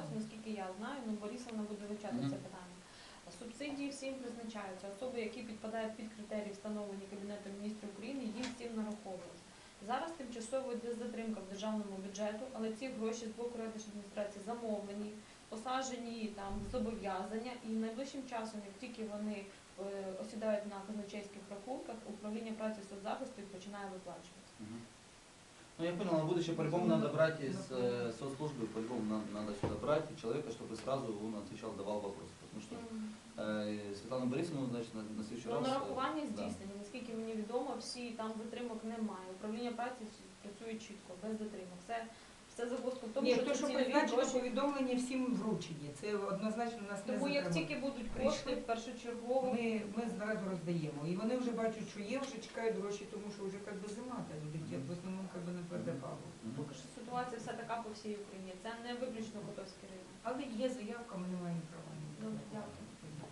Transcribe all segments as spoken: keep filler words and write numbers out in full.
році, наскільки я знаю, ну Борисовна буде вивчати Мгм. це питання. Субсидії всім призначаються. Особи, які підпадають під критерії, встановлені Кабінетом міністрів України, їм всім нараховують. Зараз тимчасово йде затримка в державному бюджету, але ці гроші з боку райдержадміністрації замовлені, посаджені там зобов'язання, і найближчим часом, як тільки вони е, осідають на казначейських рахунках, управління праці і соцзахисту їх починає виплачувати. Угу. Ну я понял, на будущее по-любому надо брать из э, соцслужбы, по-любому надо, надо сюда брать человека, чтобы сразу он отвечал, давал вопросы. Потому что э, Світлану Борисовну, значит, на, на следующий Ну, раз... нарахування да. здійснені, наскільки мені відомо, всі там затримок немає. Управління праці працює чітко, без затримок. Все, все загвоздка в тому, Ні, що то, ці що цільові призначено гроші. повідомлення всім вручені. Це однозначно у нас не Тому як затримано. тільки будуть кошти, Прийшли. першочергово. Ми, ми зразу роздаємо. І вони вже бачать, що є, вже чекають гроші, тому що вже як би зима, та люди ті, в основному як би на передопалу. Поки що ситуація вся така по всій Україні. Це не виключно Котовський район. Але є заявка, ми не маємо права. Добре, дякую.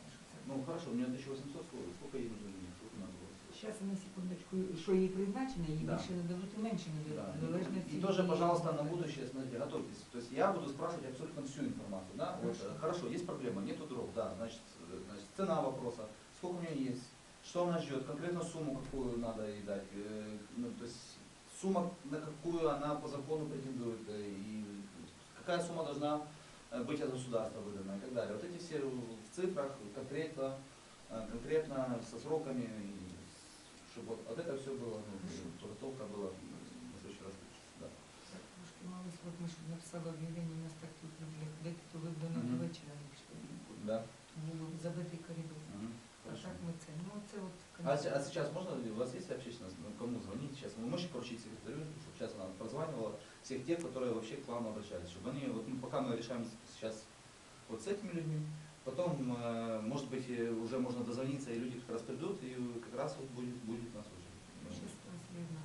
Ну хорошо, у меня тысяча восемьсот, сколько, сколько ей нужно денег? Сколько надо было? Зараз, на секундочку, що їй призначено, їй Да. більше не дадуть і менше не Да. дадуть. Залежно И, від и цієї- тоже, пожалуйста, на будущее, смотрите, готовьтесь. То есть я буду спрашивать абсолютно всю информацию. Да? Вот, Хорошо. э, хорошо, есть проблема, нету дров, да, значит, э, значит, цена вопроса, сколько у нее есть, что она ждет, конкретно сумму, какую надо ей дать, э, ну, то есть сумма, на какую она по закону претендует, э, и какая сумма должна э, быть от государства выдана и так далее. Вот эти все в цифрах, конкретно, э, конкретно со сроками, и чтобы вот, вот это все было, ну, подготовка была на следующий раз лучше. Да. Так, трошки мали срок, ми щоб написали об'явлення на старт тут декілька то вибрано Мгм. до вечора, якщо Да. був забитий коридор. Мгм. А Хорошо. так ми це, ну це от... А, се- а сейчас можно, у вас есть общественность, ну, кому звонить сейчас? Вы можете поручить секретарю, чтобы сейчас она прозванивала всех тех, которые вообще к вам обращались, чтобы они, вот ну, пока мы решаем сейчас вот с этими людьми, потом, э, может быть, э, уже можно дозвониться, и люди как раз придут, и как раз вот будет, будет нас уже. Щас трансферна,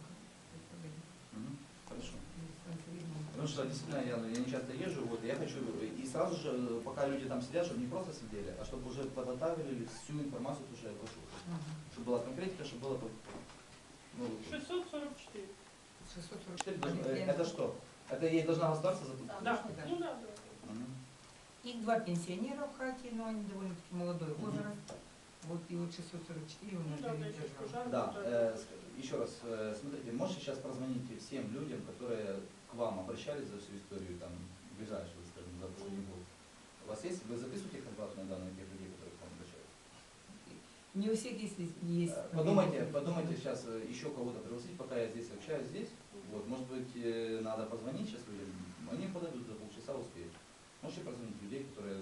Мгм. Хорошо. трансферна. Потому что действительно я, я не часто езжу, вот, и я хочу, и сразу же, пока люди там сидят, чтобы не просто сидели, а чтобы уже подготовили всю информацию, то, что я прошу. Ага. Чтобы была конкретика, чтобы было... Ну, шестьсот сорок четыре. шестьсот сорок четыре четыре. должно- э, это что? Это ей должна государство заплатить? Да. Да. Ну да, да. Мгм. Их два пенсионера в хате, но они довольно-таки молодой Мгм. возраст. Вот и вот шестьсот сорок четыре у Ну нас да, да, дает еще держава. пожар. Да, вот э, это. с- еще раз, э, смотрите, можете сейчас прозвонить всем людям, которые к вам обращались за всю историю, там, ближайшего, скажем, за последний год. У вас есть, вы записываете контактные данные тех людей, которые к вам обращаются? Не у всех есть, есть. Э, Подумайте, подумайте сейчас э, еще кого-то пригласить, пока я здесь общаюсь здесь. Вот, может быть, э, надо позвонить сейчас людям, они подойдут за полчаса, успеют. Можете позвонить людей, которые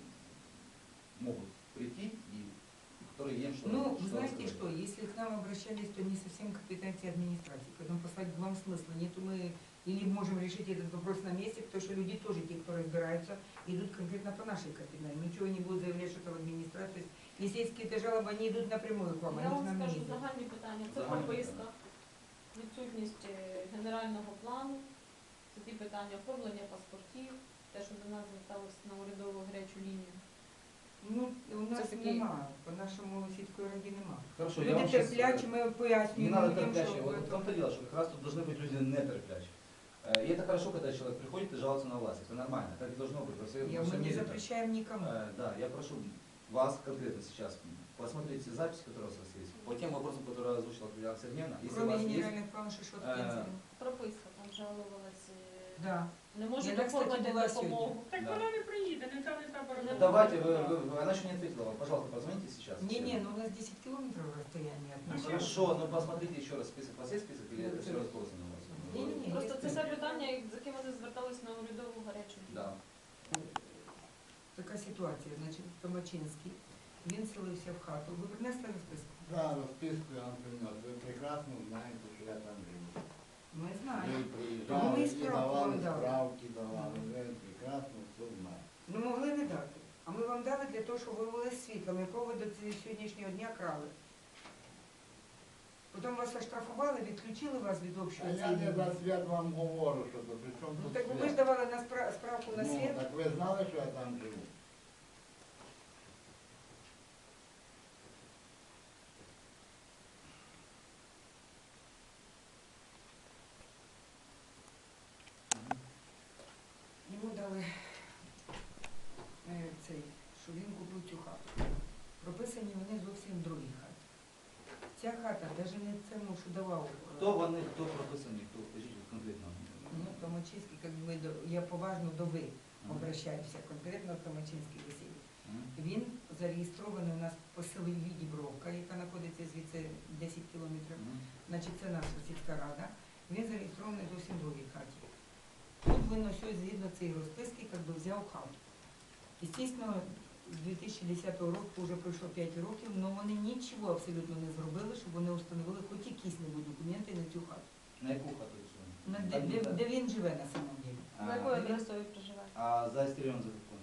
могут прийти и которые им что-то Ну, что знаете рассказать. что, если к нам обращались, то не совсем компетенция администрации, поэтому послать вам смысла нету, мы или можем решить этот вопрос на месте, потому что люди тоже, те, кто разбираются, идут конкретно по нашей компетенции. Ничего не будут заявлять, что это в администрации. Если есть какие-то жалобы, они идут напрямую к вам, Я они к вам нам не скажу идут. загальні питання. Це Загальні прописка, відсутність е, генерального плану, це ті питання оформлення паспортів, те, що до нас зверталося на урядову гарячу лінію. Ну, у нас такі- немає, по нашому сільської раді немає. Хорошо, я Люди вам щас, терплячі, э, ми не пояснюємо надо людям, терплячие. що... Вот в том-то дело, что как раз тут должны быть люди не терплячие. Э, И это хорошо, когда человек приходит и жалуется на власть. Это нормально, так и должно быть. Во всем, Я, во мы всем не мире так. запрещаем никому. Э, Да, я прошу вас конкретно сейчас посмотреть все записи, которые у вас есть. По тем вопросам, которые озвучила Татьяна Сергеевна. Если у Кроме вас есть, генеральных планов, что что-то Э, пенсии. Прописка, там жалувалася. Да. Не можуть Я, кстати, оформити була допомогу. Так Да. вона не приїде, не треба, не треба Ну, робити. давайте, вы, вы- вы- она еще не ответила вам. Пожалуйста, позвоните сейчас. Не-не, ну у нас десять километров расстояние от Ну, нас. хорошо, но посмотрите еще раз список. У вас есть список или это все разбросано у вас? Не-не-не. Просто це все питання, з якими вони звертались на урядову гарячу лінію. Да. Така ситуація, значить, Томачинський, він селився в хату. Ви принесли розписку? Да, розписку я вам принес. Ви прекрасно знаєте, що я там живу. Ми Ви знаємо. Тому приїжджали ми і і справку давали вам дали. справки, давали. Ви прекрасно все знаєте. Ну могли не дати. А ми вам дали для того, щоб ви були світлом, якого ви до ці- сьогоднішнього дня крали. Потім вас оштрафували, відключили вас від А общого я не цінника. за свят вам говорю, що то при чому Ну тут так ви ж свят? давали на спра- справку на Ну, світ. так ви знали, що я там живу? Йому дали Ця хата, навіть не цьому, що давав. е, Кто вони, кто прописані, кто, скажите конкретно. Ну, Томачинський, як би, до- я поважно до ви Мгм. обращаюся, конкретно Томачинський Василь. Мгм. Він зареєстрований у нас по селі Дібровка, яка знаходиться звідси десять кілометрів. Мгм. Значить, це наша сільська рада. Він зареєстрований зовсім в другій хаті. Тут він ось ось згідно цієї розписки як би взяв хату. Звісно, з дві тисячі десятого року вже пройшло п'ять років, але вони нічого абсолютно не зробили, щоб вони встановили хоч якісь-небудь документи на цю хату. На яку хату сьогодні? На де, де, де він живе на самом деле. За А, якою адресою ви проживаєте? а за Истерион за какой?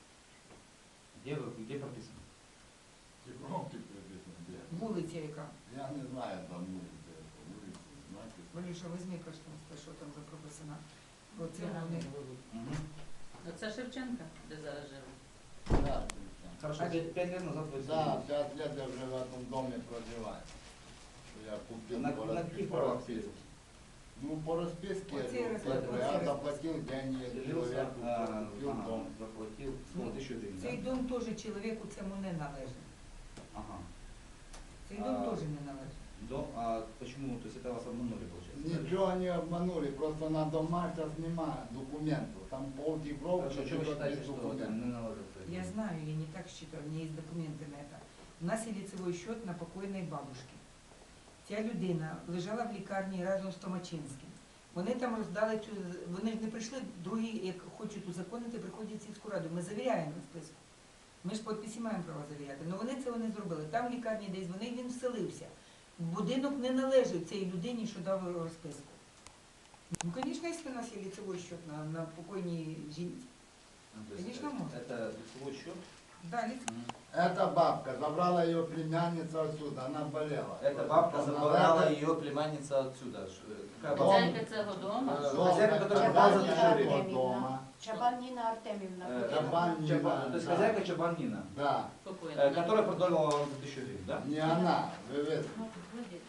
Где, вы, где прописано? Типровки прописано, где? Вулиця яка. Я не знаю там вулиці, вулиці, знаки. Валюша, візьми каштанська, що там за прописана. Про це вони. Мгм. Це Шевченка, де зараз живе. Да, Хорошо, А- пять, пять лет назад вы да, пять лет я вже в этом доме проживаю. Я купил на, по на расписке. каких правах сидите? Ну, по расписке, Оце ну, розписка, я оце заплатил деньги Селился, человеку, а, купил ага, дом. заплатил, сколько, тысячу гривен, Цей да? дом теж чоловіку цьому не належить. Ага. Цей дом А. теж не належить. Дом, а почему, то есть это вас обманули, получается? Ничего не обманули, просто на дома сейчас нема документов. Там пол Днепровки, Хорошо, что вы только считаете, без что это документов. не наложится? Я знаю, я не так считаю, у меня есть документы на это. У нас є ліцевий счет на покойної бабушки. Ця людина лежала в лікарні разом з Томачинським. Вони там роздали цю, вони ж не прийшли, другі, як хочуть узаконити, приходять в сільську раду. Ми завіряємо списку. Ми ж підписи маємо право завіряти. Але вони цього не зробили. Там в лікарні десь вони, він вселився. Будинок не належить цій людині, що дав розписку. Ну, звісно, якщо у нас є ліцевий счет на, на покойній жінці. Ну, то есть Конечно, это- можно. Это лицевой счет? Да, ліц... Эта бабка забрала ее племянница отсюда, она болела. Эта бабка Она забрала это- ее племянница отсюда. Ш- э, Какая Дом. бабка? Хазяйка цього дому. Э, Дом, Хозяйка, это которая бабка была за тысячу гривен. этого дома. Чабаніна Артемівна. Э, Ходила. Чабан- Чабан- То есть Да. хозяйка Чабанина, Да, Спокійно. э, которая продала вам за тысячу гривен, да? не она, вы видите. Ну, вроді.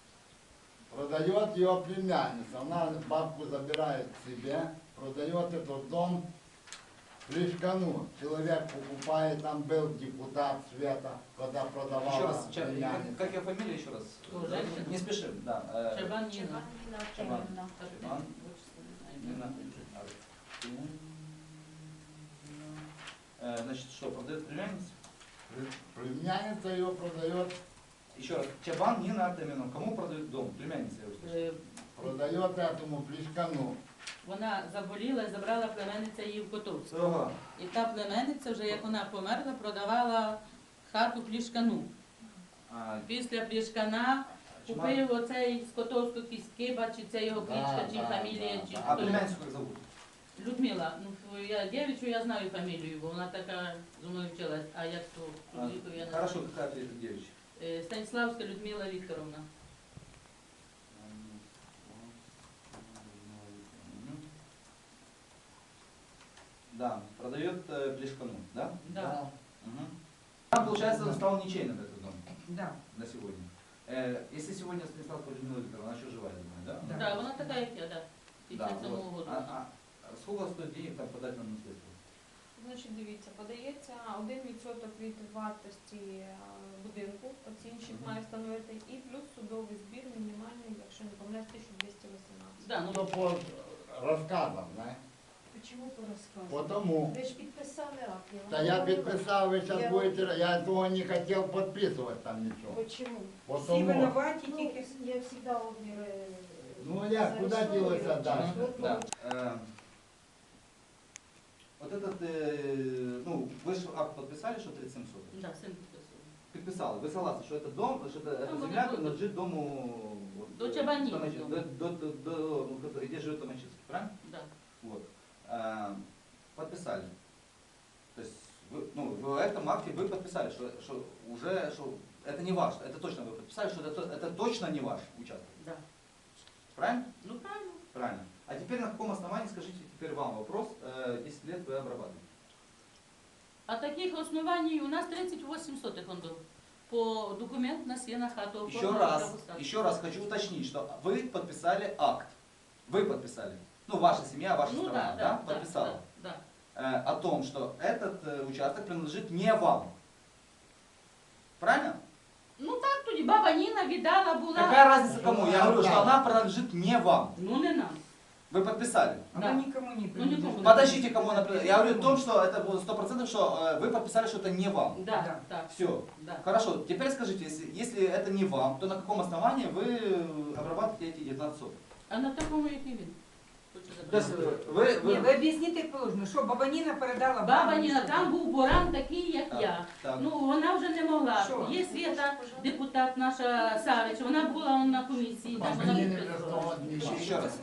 Продает ее племянница. Она бабку забирает к себе, продает этот дом Плешкану. Человек покупает, там был депутат Света, когда продавала Еще раз, Ча- как, племянница. как ее фамилия еще раз? Ну, женщина. Не спешим, да. э, Чабан Ніна. Чабаніна Чабан. Артемівна. Чабан. Ніна. Нина. Э, Значит, что, продает племянницу? Племянница ее продает, Еще раз, Чабан Нина Артемьевна. Кому продают дом? Племянница, я услышал. Е, продает этому Плешкану. Вона заболіла і забрала племенниця її в Котовську. Ага. І та племенниця, вже як вона померла, продавала хату Плішкану. А, Після Плішкана Чма- купив оцей з Котовського Кіскиба, чи це його Да, кличка, чи да, фамілія, да, чи да. а хто. племянницу как зовут? Людмила, ну я дівчину я знаю фамілію, бо вона така зі мною вчилась, а як то А, чоловіку я не Хорошо, знаю. какая ты девичья? Е, Станіславська Людмила Вікторовна. Мгм. Да, продает э, Плешкану, да? Да. Мгм. Там, получается, он стал ничейным этот дом Да. на сегодня. Э, если сегодня Станиславская Людмила Викторовна, она еще живая, я думаю, да? Да. Да, вона така, як я, да. Да, п'ятдесят сьомого вот. году. А, а, а сколько стоит денег там подать на наследство? Значить, дивіться, подається один відсоток від вартості е, будинку, оцінщик Мгм. має встановити, і плюс судовий збір мінімальний, якщо не помиляюсь, тисяча двісті вісімнадцять. Да, ну, Ну, по рассказам, знаешь. Чому по розказу? Потому. Ви ж підписали акт. я вам Да я говорила. подписал, вы сейчас Я- будете, я этого не хотел подписывать там ничего. Почему? Всі Потому. винуваті Ну, тільки. я завжди обмір. е, Ну, я куда зарисовую, делась отдать? через год Да. Э, Вот этот, э, ну, вы же акт подписали, что тридцать семь соток? да, син підписував. Подписал. Вы согласны, что это дом, что это, эта Ну, земля вот. принадлежит дому... вот, До э, Чабани. Томачи- До, до, до, до- ну, который- где живет Томачинский, правильно? Да. Вот. А, подписали. То есть, вы, ну, в этом акте вы подписали, что, что уже, что это не ваш, это точно вы подписали, что это, это точно не ваш участок. Да. Правильно? Ну правильно. Правильно. А теперь на каком основании, скажите теперь вам вопрос, э, десять лет вы обрабатываете? А таких оснований у нас тридцять восемь сотих он был. По документ у нас є на хату. Еще оформлено раз, право статусу. еще раз хочу уточнить, что вы подписали акт. Вы подписали. Ну, ваша семья, ваша Ну страна, да, да, да, подписала. Да, Э, о том, что этот э, участок принадлежит не вам. Правильно? Ну так тоді баба Ніна віддала була. Какая разница кому? Я говорю, Да. что она принадлежит не вам. Ну не нам. Вы подписали. Она Да. никому не принадлежит. никому. Подождите, кому она принадлежит. Я говорю о том, что это было сто процентов, что э, вы подписали, что это не вам. Да, Да. так, Все. да. Хорошо, теперь скажите, если, если это не вам, то на каком основании вы э, обрабатываете эти девятнадцать соток? А на такому, як і він. Хочу То есть забрати. э, вы... Ні, вы... ви об'ясніть як положено, що баба Ніна передала Баба вам Ніна, що? там був буран такий, як Так, я. так. Ну, вона вже не могла. Що? Є Свята, депутат наша Савич, вона була на комісії, там вона Мені не підписувала. просто одні. Ще- ще раз.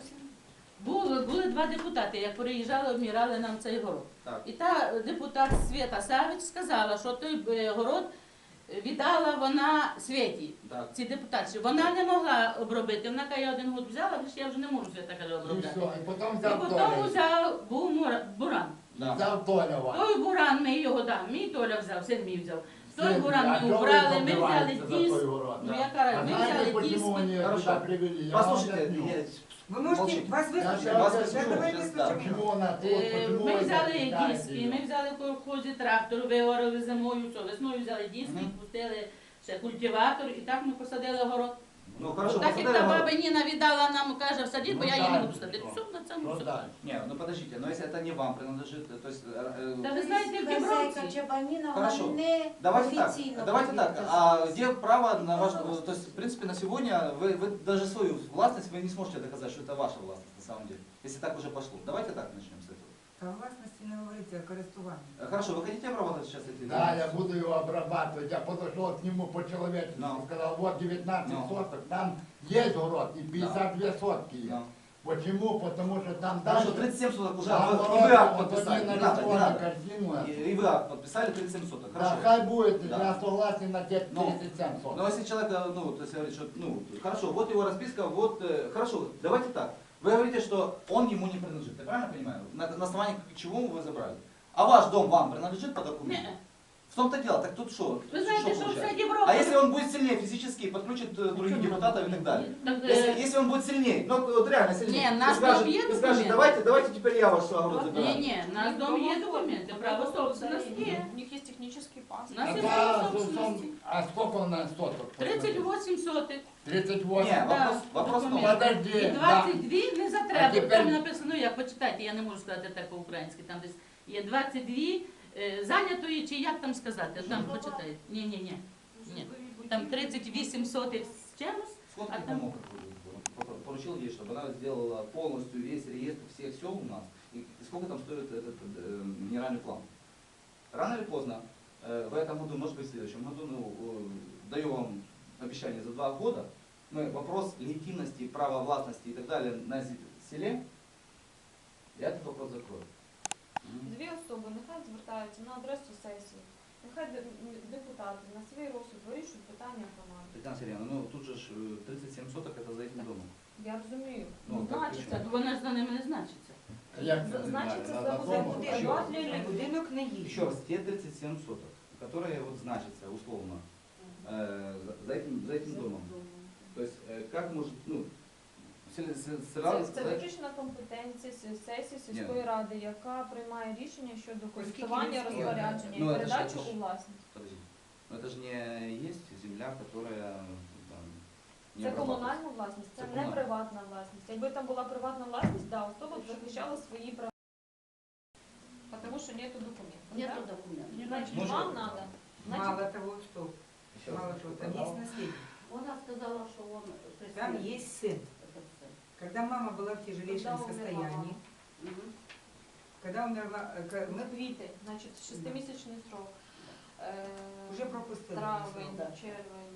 Були, були два депутати, як приїжджали, обмірали нам цей город. Так. І та депутат Свята Савич сказала, що той е, город віддала вона Світі. Так. Ці депутатці. Вона не могла обробити. Вона каже, я один год взяла, лише я вже не можу Свята каже І обробляти. все, і потім І взяв потім Толя. взяв, був мура- буран. Да. Взяв Толя вас. Той буран ми його дав, мій Толя взяв, син мій взяв. Той Син, буран а ми чого ви убрали, ми взяли добиваєтеся за диск. той город? Ну Да. яка А разниця, ми знаєте, взяли почему диск. вони Хорошо. сюди привели? Я вам Послушайте, объясню. нет, Ви можете, Молчите. вас Я вислухати? сейчас Вас объясню. Да, давай сейчас, вислухаємо. Почему вона тут, Е, почему Ми ви взяли запитаєте диски, її? ми взяли в колхозі трактор, виорали зимою, все, весною взяли диски, Мгм. пустили ще культиватор, і так ми посадили город. ну хорошо, Так як посадили та город. баба Ніна віддала нам, каже, всади, бо Ну, я її не так, буду садити. що? Все, на цьому Що все. далі? Не, ну подождите, но если это не вам принадлежит, то есть... э, Та э, ви знаєте, в Хазяйка Дібровці. Чабаніна, Хорошо. вона не Давайте так, офіційно давайте так, повинна а казати. где право на ваш... То есть, в принципе, на сегодня вы, вы даже свою властность вы не сможете доказать, что это ваша властность на самом деле, если так уже пошло. Давайте так начнем с этого. Та власності не говориться, а користування. Э, Хорошо, вы хотите обрабатывать сейчас эти... Да, я буду его обрабатывать. Я подошел к нему по-человечески, Ну. сказал, вот девятнадцать Ну. соток, там есть город и пятьдесят две сотки есть. Ну. Почему? Потому что там Хорошо, дальше... тридцать семь соток уже, Да, вы- город, и вы акт вот подписали, они не надо, не нарисовали надо. картину. И, и вы акт подписали тридцать семь соток, Да, хорошо. хай будет, Да. я согласен на те Ну, тридцать семь соток. Но если человек, э, ну, то есть говорит, что, ну, хорошо, вот его расписка, вот, э, хорошо, давайте так. Вы говорите, что он ему не принадлежит, я правильно понимаю? На, на основании чего вы забрали? А ваш дом вам принадлежит по документу? Ні. В том-то дело, так тут что? Ви знаєте, що получается? вся Дібровка... А если он будет сильнее физически, подключит э, других депутатов и так далее? Так, Если, е, если он будет сильнее, ну вот реально сильнее, Не, и наш скажет, дом є и скажет, документ. давайте, давайте теперь я ваш огород Ні, забираю. ні, у нас дом є документи, право собственності є. У них є технічний У паспорт. нас є А, право да, собственності. а сколько у нас соток? тридцять вісім сотих. тридцать Не, восемь. вопрос, вопрос в том, Документ. Подожди, І да. двадцять дві не А затреба. тепер- Там написано, як почитайте, я не можу сказати так по-українськи, там десь є двадцять дві е, зайнятої, чи як там сказати, там почитайте. Ні, ні, ні. Ні. Там тридцять вісім сотих з чимось. сколько А ты там- помог, какой-то, поручил ей, чтобы она сделала полностью весь реестр всех сел у нас, и сколько там стоит этот э, генеральный план. Рано или поздно, э, в этом году, может быть в следующем году, ну, э, даю вам обещание за два года, мы вопрос легитимности, права властности и так далее на зе- селе, я этот вопрос закрою. Дві особи нехай звертаються на адресу сесії. Нехай де- м, депутати на свій розсуд вирішують питання громади. Тетяна Сергеевна, ну тут же ж, э, тридцать семь соток это за этим домом. Я розумію. Ну, так Значиться. Так вона ж за ними не значиться. Як це З- не значиться, знаю, це на буде дому, буде так? два для людей. Будинок не їх. Еще раз, те тридцать семь соток, которые вот значатся условно э, за, за этим, за этим домом. То есть э, как может, ну, сел- сел- сразу Це, це сказать, виключна компетенція с- сесії Ні. сільської ради, яка приймає рішення щодо Оскільки користування, він спільний. розпорядження Ну, і це ж- передачу це ж- у власність. подожди, но это же не есть земля, которая там, не Це обрабатывается. комунальна власність, це Це не комунальна. приватна власність. Якби там була приватна власність, да, особа б захищала свої права. Тому що нету документів. Нету так? документів. Значить, Може, вам треба. Значить, Мало того, что, Еще раз. мало того, там есть наследник. Вона сказала, що він... Там есть сын. Когда мама была в тяжелейшем Когда умерла состоянии, Мгм. когда умерла, э, к- мы квіти, значить, шестимісячний срок. Е, уже пропустили. Травень, Да. червень,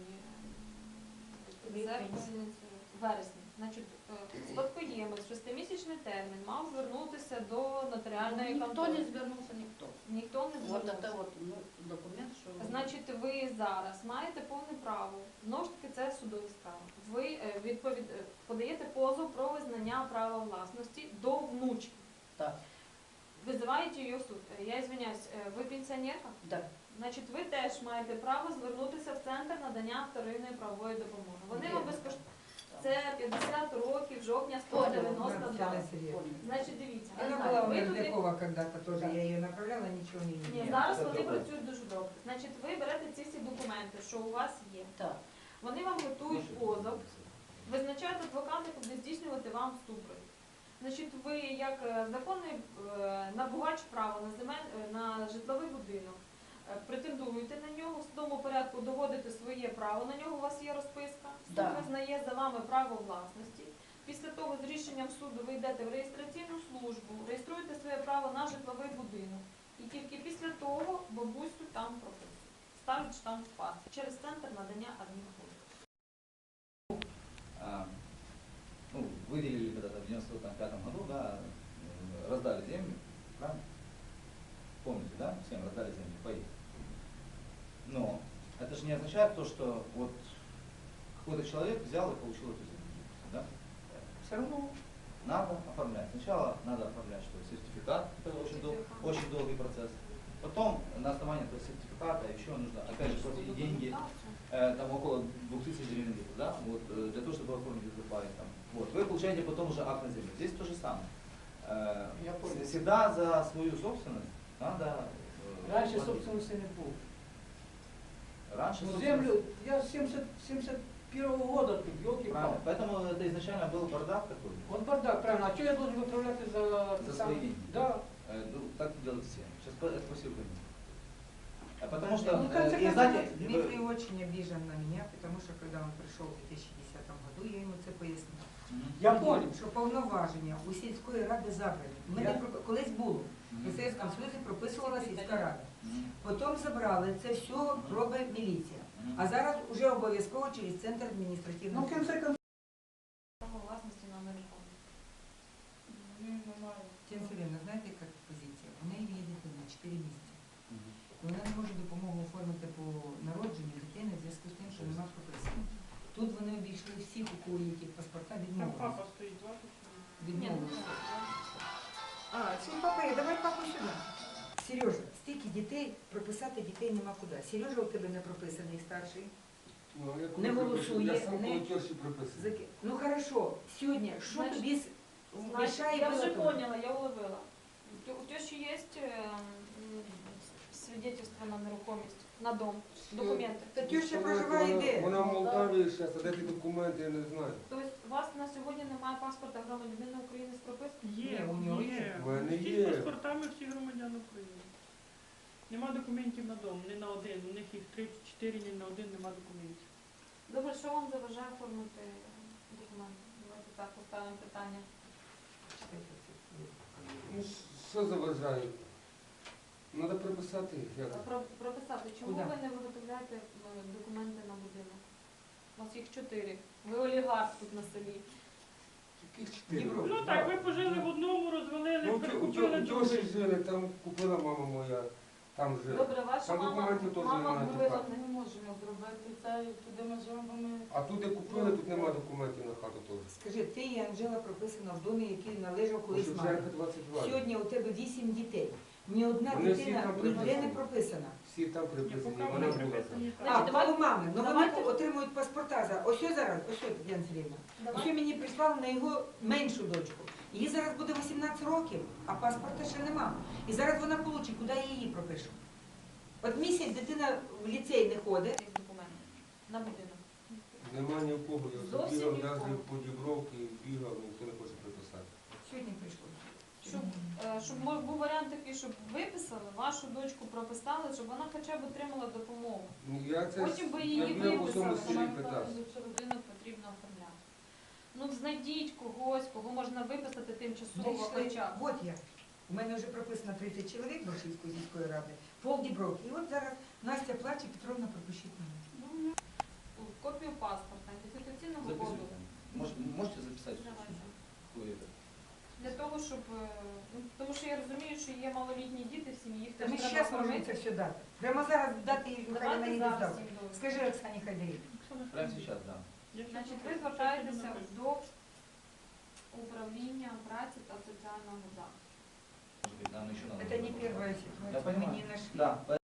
е, Липень. серпень, вересень. Значить, е, спадкоємець, шестимісячний термін мав звернутися до нотаріальної Ніхто контори. не звернувся, ніхто. Ніхто не Вот це звернувся. от, ну, документ, що... Значить, ви зараз маєте повне право, знову ж таки, це судові справи. Ви е, відповід... е, подаєте позов про визнання права власності до внучки. Так. Визиваєте її в суд. Е, Я извиняюсь, е, ви пенсіонерка? Так. Значить, ви теж маєте право звернутися в центр надання вторинної правової допомоги. Вони вам безкоштовно. Це п'ятдесят років, жовтня сто дев'яносто два. Татьяна Сергеевна. Значить, дивіться, Она знаю. была у ви туди... Мерзлякова когда-то тоже, я ее направляла, ничего не Ні, меняла. зараз це вони добре. працюють дуже добре. Значить, ви берете ці всі документи, що у вас є. Так. Вони вам готують позов, визначають адвоката, куди здійснювати вам супровід. Значить, ви як е, законний е, набувач права на земель е, на житловий будинок, е, претендуєте на нього, в судовому порядку доводите своє право, на нього у вас є розписка, суд Да. визнає за вами право власності. Після того з рішенням суду ви йдете в реєстраційну службу, реєструєте своє право на житловий будинок. І тільки після того бабусю там прописують. Ставлять штамп в паспорт через центр надання адмінпослуг. А, ну, выделили когда-то в девяносто пятом году, да, э, раздали землю, правильно? Помните, да? Всем раздали землю, паи. Но это же не означает то, что вот какой-то человек взял и получил эту землю, да? Все равно надо оформлять. Сначала надо оформлять что сертификат, это очень, дол- очень долгий процесс. Потом на основании этого сертификата еще нужно, опять же, платить деньги, э, там около двух тысяч гривен, да, вот, э, для того, чтобы оформить этот пай, там. Вот. Вы получаете потом уже акт на землю. Здесь то же самое. Э, Я понял. всегда за свою собственность надо э, Раньше платить. собственности не было. Раньше Ну, собственность- землю, я с семьдесят, семьдесят первого года тут, елки Правильно. Поэтому это изначально был бардак такой. Вот бардак, правильно. А что я должен выправлять за... За сам- свои деньги. Да. Э, ну, так делают все. Сейчас по- это спасибо. А потому что, Ну, в э, конце и концов, знаете, Дмитрий очень обижен на меня, потому что когда он пришел в дві тисячі десятому году, я йому це пояснила. Мгм. Я понял. Що повноваження у сільської ради забрані. Ми Я- не пропи- колись було. В Мгм. Совєтському Союзі прописувала сільська рада. Мгм. Потім забрали, це все робить міліція. Мгм. А зараз вже обов'язково через центр Ну, адміністративного. в конце концов, Право власності на нерухомість. Тетяна Сергіївна, знаєте, яка позиція? У неї є дитина чотири місяці. Мгм. І вона не може допомогу оформити по народженню дитини в зв'язку з тим, що нема прописано. Тут вони обійшли всіх, у кого є ті паспорта, Там відмовилися. папа стоїть, двадцять. Ні, ну, Відмовилися. А, це папа, є, давай папу сюди. Сережа, стільки дітей, прописати дітей нема куди. Сережа у тебе не прописаний старший. Ну, я Не коли голосує, приписую, я сам не- коли тьорші приписую. Заки- Ну хорошо, сьогодні, що Значить, тобі с- Значить, мішає я вже виготовити? поняла, я уловила. У тё- У тещи есть э, м, свидетельство на нерухомість, на дом, документи. Та теща Вона- проживає вона- де? Вона в Молдавії зараз, а де ті документи, я не знаю. Тобто у вас на сьогодні немає паспорта громадянина України з пропискою? Є, Ні, у нього є. є. У мене Всі є. з паспортами всі громадяни України. Нема документів на дом, ні на один. У них їх три-чотири, ні на один нема документів. Добре, що вам заважає оформити документи? Давайте так поставимо питання. Ну, що заважає? Треба приписати. Як? Про, прописати, чому Куди? ви не виготовляєте е, документи на будинок? У вас їх чотири. Ви олігарх тут на селі. Яких чотири? Європа. Ну так, ви пожили в одному, розвалили, Ну, прикупили у другий. тьоші жили, там купила мама моя, там жила. Добре, ваша Там мама, документів теж мама немає, вбила. так. Ми не можемо зробити це, туди ми зробимо. А тут де купили, тут немає документів на хату теж. Скажи, ти і Анжела прописана в домі, який належав У колись мамі. Шевченка двадцять два. Сьогодні у тебе вісім дітей. Ні одна Вони всі дитина там ніде не приписані. прописана. Всі там Ні, приписані, поки вона вони була там. приписані, А, так. Значить, давайте- коло мами. Ну вони давайте- отримують паспорта за. Ось зараз, ось Тетяна Сергіївна. Давай. Ось мені прислали на його меншу дочку. Їй зараз буде вісімнадцять років, а паспорта ще нема. І зараз вона получить, куди я її пропишу. От місяць дитина в ліцей не ходить. Цих документів на будинок. Нема ні в кого, я Зовсім бігав, ні в навіть кого. по дібровки, бігав, ніхто не хоче приписати. Сьогодні прийшло. Щоб, е, щоб мо- був варіант такий, щоб виписали, вашу дочку прописали, щоб вона хоча б отримала допомогу. Ну, я це Потім би я її бігав по всьому виписали, селі вона питався. що будинок потрібно оформляти. Ну знайдіть когось, кого можна виписати тимчасово Знайшли. хоча б. От я. У мене вже прописано тридцять чоловік Боршівської сільської ради, пол Дібровки. І от зараз Настя плаче, Петровна пропишіть мене. Копію паспорта, ідентифікаційного коду. Записывайте. Может- Можете записать? Давайте. Какой это? Для того, щоб е, ну, тому що я розумію, що є малолітні діти в сім'ї, їх Та теж ми треба зараз можемо це кормити. все дати. Прямо зараз дати їй, хай вона Давайте її зараз здав. їм довідку. Скажи Оксані Хайдарівні. Прямо сейчас, да. Значить, ви звертаєтеся до управління праці та соціального захисту. Может быть, нам еще надо. Це не перша ситуація, ми понимаю. не знайшли. Да,